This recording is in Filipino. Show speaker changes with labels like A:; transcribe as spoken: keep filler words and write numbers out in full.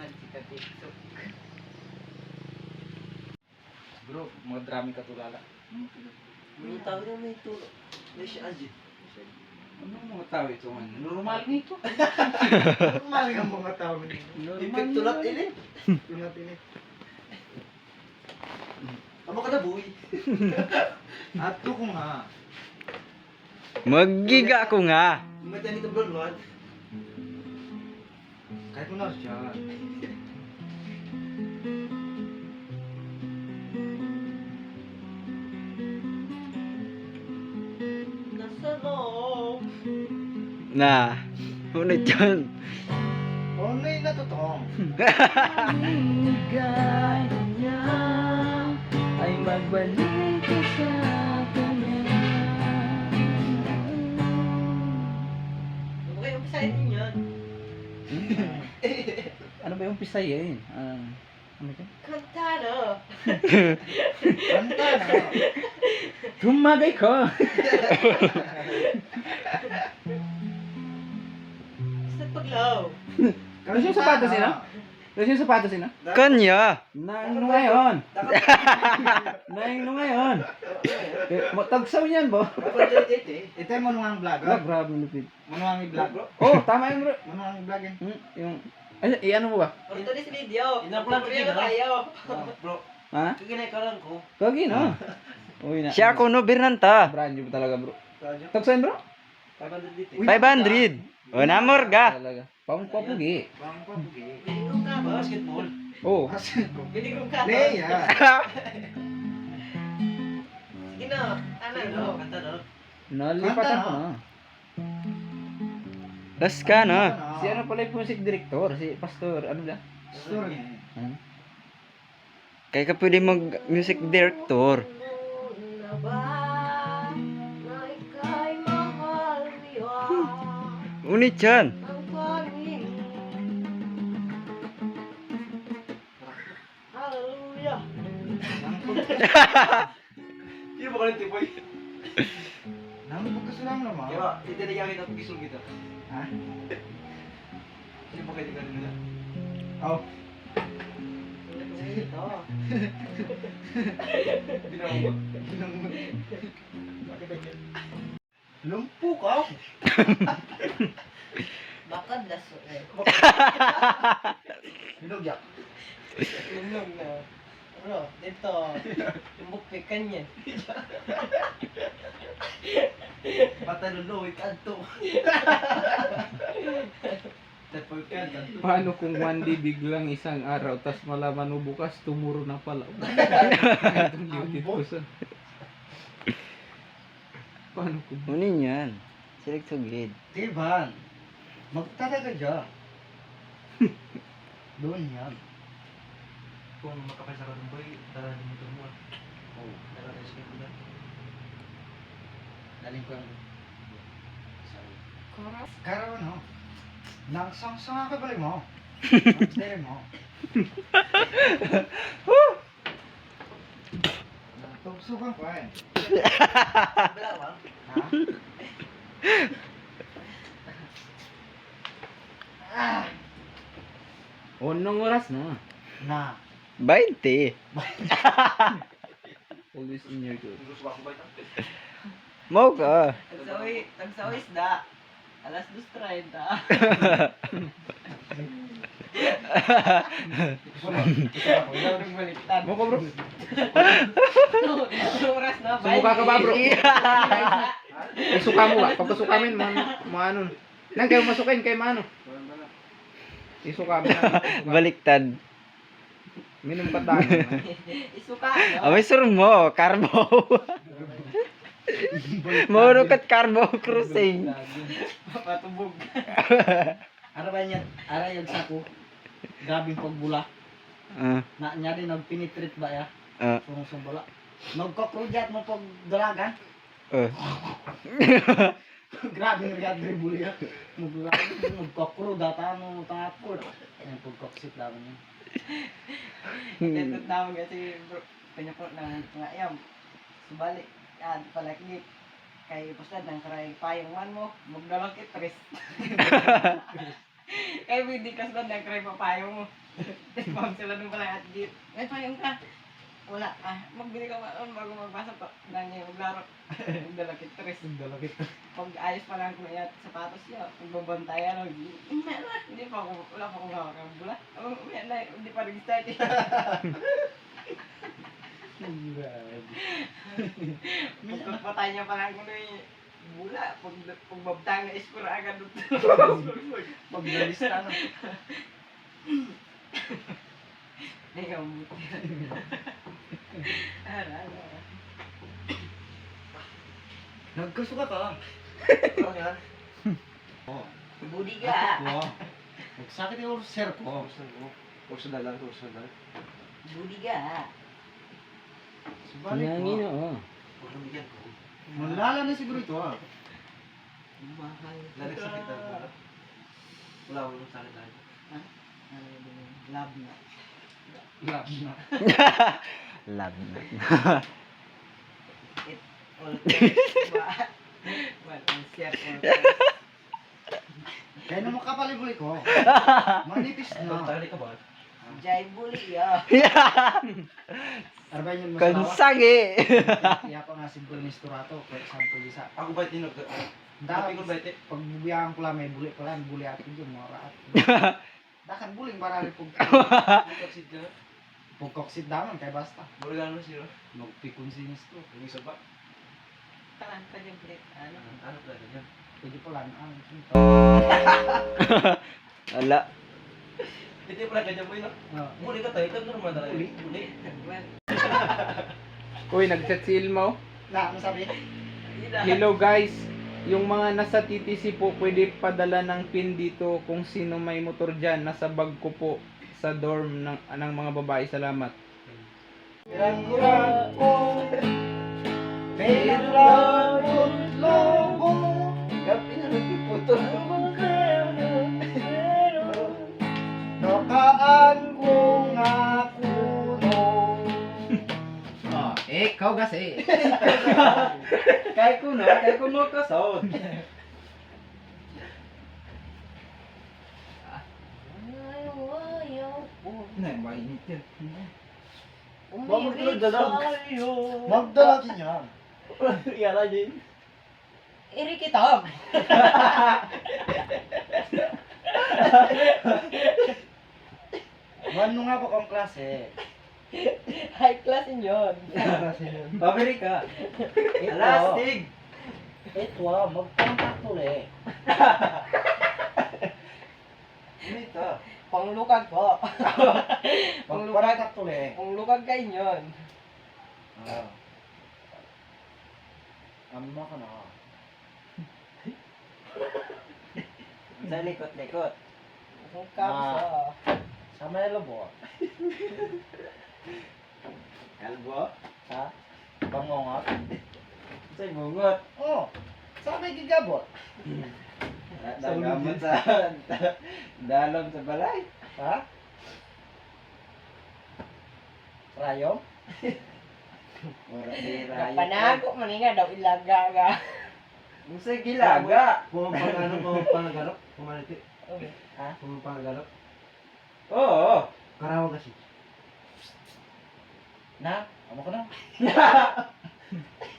A: man si Katiktok.
B: Bro, mga drami ka tulala.
A: May tao na may tulo. May siya Ajit.
B: Ano mga tao ito man? Normal nito.
C: Normal nga mga tao nito.
A: Ipit tulad ini.
C: Tulad ini.
A: Amo ka na buhay.
C: Ato ko nga.
D: Maggiga ko nga.
A: Mata nito bro, Lord.
C: Kahit mo na siya.
A: Nasa loob.
D: Na. Unit yun.
C: Only na totoo.
A: Gaya niya ay magbalik ka sa kanya. Ano kayo umpisahin din yun?
B: Ano ba yung pisay eh? Ah, ano ito?
A: Kanta na.
C: Kanta na.
B: Tumagay ko!
A: Sa paglaw.
B: Kasi yung sapatos nila? Kasi yung sapatos nila?
D: Kanya.
B: Nang no ngayon! Nang no ngayon! Eh, mo- Tagsaw niyan bo!
A: Kapag-edit eh.
C: Ito yung manuang vlog.
B: Ah, grabe lupit.
C: Manuang i-vlog.
B: Oh, tama yung bro.
C: Manuang i-vlog yan.
B: Hmm, yung... Ay, i-ano mo ba?
A: Ito din sa video.
C: Ina-upload ko
A: Tutorial
C: dito, no?
A: tayo.
C: Bro,
B: Ha?
C: kaginay-karan ko.
B: Kagi no? Uy na.
D: Siya ako no Birnanta.
B: Brand new talaga bro.
C: Radyo.
B: Tagsaw bro?
A: five hundred dito.
D: five hundred. O namorga.
B: Talaga. Pang papugi.
C: Bang pa bugi.
A: Binigong ka ba?
C: Basketball.
B: Oh.
C: Basketball.
A: Binigong ka ba?
C: Leia.
A: Sige na. Ano no? Kanta no?
B: Nalipatan ko na.
D: Tas ka na.
B: Si ano pala yung music director? Si Pastor, ano ba?
C: Story.
B: Hmm?
D: Kaya ka pwede mag music director.
A: Na ba na ika'y mahal niya
D: Unit yan.
A: ang pangin. Hallelujah.
C: Sino ba kalit tipoy? Nangubog ka sila naman.
A: Kaya titinigyan kita pag isog kita.
C: Ha?
A: Sino ba kayo tingnan nila?
C: Oh.
A: Ito.
C: Binamot. Binamot. Bakit ganyan? Lumpo ka.
A: Bakad laso eh.
C: Binugyak.
A: Lumlong na. Ano? Dito. Yung bukpikan niya.
C: Pataluloy kanto. Tapoy ka kanto.
B: Paano kung one day biglang isang araw tas malaman mo bukas tumuro na pala. Itong liutit ko sa... Paano kung...
D: Unin yan. Select to grade.
C: Diban. Magtalaga dyan. Doon yan.
A: Kung makapay sa kanong boy, dala din mo ito mo.
C: Oh.
A: Dala din sa kanong boy.
C: Daling ko yung... Karaw no? Nagsang-sang ka pala mo. Nagsang mo. Tugsugan ko eh.
A: Balawa?
C: Ha? Ah!
B: Unong oras na.
C: Na.
D: twenty.
B: Always in your good.
A: Gusto ko ba ito?
D: Mau ka.
A: Tagsawi, tagsawi isda. Alas dos treinta.
C: Wala rin baliktad.
B: Mo ko bro.
A: Yung oras na.
B: Sumuka ka ba bro? Isuka mo ba? Pagkasuka min, mo mo ano. Nang kayo masukin kay mano. Isuka mo na.
D: Baliktad.
B: Minum ka tayo.
A: Isuka, no?
D: Amay sur mo, Carbo. Mauro kat Carbo Cruising.
C: Patubog. Ara ba niya? Ara yung sako. Grabing pagbula.
D: Ah,
C: Na niya din nagpinitreat ba ya?
D: ah,
C: Sumusumbala. Nagkaproject mo pag dalagan.
D: ah.
C: Grabe nga riyad rin buli ya. Magdalagan. Nagkakro. Data mo tapos. Ayan pagkaksit lang niya.
A: Ito tawag kasi bro. Kanya po ng mga iyam. Subalik. Yan, palaklit. Kay Pustad, ng karay payong man mo. Magdalaki tres. Kaya hindi ka sila nag-try papayo mo. Pag sila nung pala at git. May payong ka. Wala. Ah, magbili ka maon bago magbasa pa. Nanya maglaro. Magdalakit tres.
C: Dalakit.
A: Pag ayos pa lang kung iyat sapatos niya. Pagbabantayan. Umaya na. Hindi pa ako. Wala pa akong hawak ng bula. Umaya na. Hindi pa nag-start eh. Pagpatay niya pa lang kung ano bula. Pag pagbabtang na iskura agad doon.
C: Paglalista na.
A: Hindi ka mabuti. Ara, ara.
C: Nagkasuka ka. Ano yan? Oh.
A: Budi ka.
C: Wow. Nagsakit yung sir ko.
B: Kurso na lang, kurso na.
A: Budi ka.
C: Subalik
D: Nangin,
C: mo.
D: oo.
C: Malala na siguro ito ah.
A: Mahal.
B: Lari sakit na. Wala mo nung sakit na.
A: Ano yun? Lab na.
C: Lab na.
D: Love na.
A: It all times. Well, ang share all times.
C: Kaya naman kapalibuli ko. Manipis na.
B: Tali ka ba?
A: Jai buli ya.
C: Arbay yun masalawa.
D: Kansagi.
C: Kaya pa nga siguro ni Sturato. Kaya sampul isa.
B: Ako ba tinog?
C: Dahil
B: ko ba ito?
C: pag bubiyahan ko lang may buli pa lang. Buli atin yung mga raat. Dakan buling barali pag
B: Pagkaksid ka na.
C: pagkoksit daman kay basta.
B: Burigan mo siya.
C: Magpikon sinis to.
B: Yung isa ba?
A: Kalan ka yung break. Ano?
B: Ano ba yan?
C: Pwede pala na ano.
D: Wala.
B: Ito yung pala ganyan mo yun. Buli ka tayo. Ito normal talaga.
C: Buli?
B: Buli.
A: Well,
B: Uy, nag-chat si Ilmo.
C: Na, ano sabi?
B: Hello guys. Yung mga nasa T T C po, pwede padala ng pin dito kung sino may motor dyan. Nasa bag ko po sa dorm ng, ng mga babae. Salamat.
C: Kurang-kurang ko. Kailan kong lobo.
A: gabi na nagpiputo.
C: Nakaan ko nga kuno. Ah, eh, ikaw kasi.
A: Kaya ko no, kaya ko mo kasod.
C: Na, mainit yan.
A: Umibig sa'yo.
C: Magdala din yan.
A: Yala din. Iri kitab.
C: Ano nga po kang klase?
A: High class in yun.
C: Klase yun.
A: Pabili ka.
C: Ito.
A: Alastig.
C: Ito ah, magpangkat ulit.
A: Dito. Panglukag po. Panglukag.
C: Magpangkat ulit.
A: Panglukag kayo yun.
C: Ah. Amma ka na.
A: Sa likot-likot. Ang
C: Ah.
A: kapsa.
C: Sa may lobo.
A: Kalbo?
C: Ha? Bangongot.
A: Sa bungot.
C: Oh. Sa may gigabot.
A: Dagamot sa dalom sa balay.
C: Ha? Rayom?
A: Ora di rayo.
E: Panago man nga daw ilaga ga.
A: Musa gilaga.
C: Pumapangano, pumapangagarap. Pumaliti.
E: Ha?
C: Pumapangagarap.
A: Oo.
C: Karawa kasi. Na? Amo ko na.